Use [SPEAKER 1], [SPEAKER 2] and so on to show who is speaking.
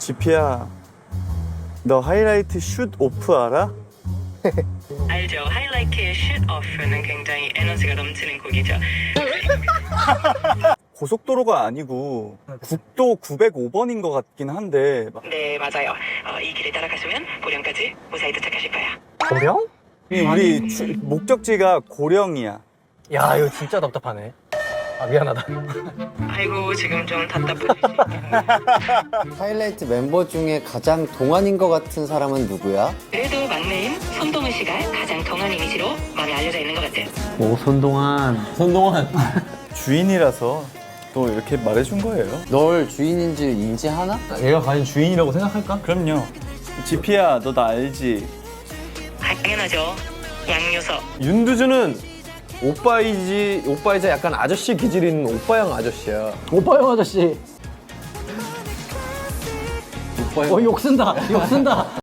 [SPEAKER 1] 지피야, 너 하이라이트 슛 오프 알아?
[SPEAKER 2] 알죠. 하이라이트의 슛 오프는 굉장히 에너지가 넘치는 곡이죠.
[SPEAKER 1] 고속도로가 아니고 국도 905번인 것 같긴 한데
[SPEAKER 2] 네, 맞아요. 이 길을 따라가시면 보령까지 무사히 도착하실 거예요.
[SPEAKER 3] 고령?
[SPEAKER 1] 우리 목적지가 고령이야.
[SPEAKER 3] 야, 이거 진짜 답답하네. 아, 미안하다.
[SPEAKER 2] 아이고, 지금 좀 답답하시죠.
[SPEAKER 4] 하이라이트 멤버 중에 가장 동안인 것 같은 사람은 누구야?
[SPEAKER 2] 그래도 막내인 손동훈 씨가 가장 동안 이미지로 많이 알려져 있는 것 같아요.
[SPEAKER 5] 오, 손동환.
[SPEAKER 1] 주인이라서 또 이렇게 말해준 거예요.
[SPEAKER 4] 널 주인인지 인지하나?
[SPEAKER 5] 얘가 과연 주인이라고 생각할까?
[SPEAKER 1] 그럼요. 지피야, 너 나 알지?
[SPEAKER 2] 당연하죠. 양요석.
[SPEAKER 6] 윤두주는 오빠이자 약간 아저씨 기질 있는 오빠형 아저씨야.
[SPEAKER 5] 오빠 형 아저씨. 욕 쓴다.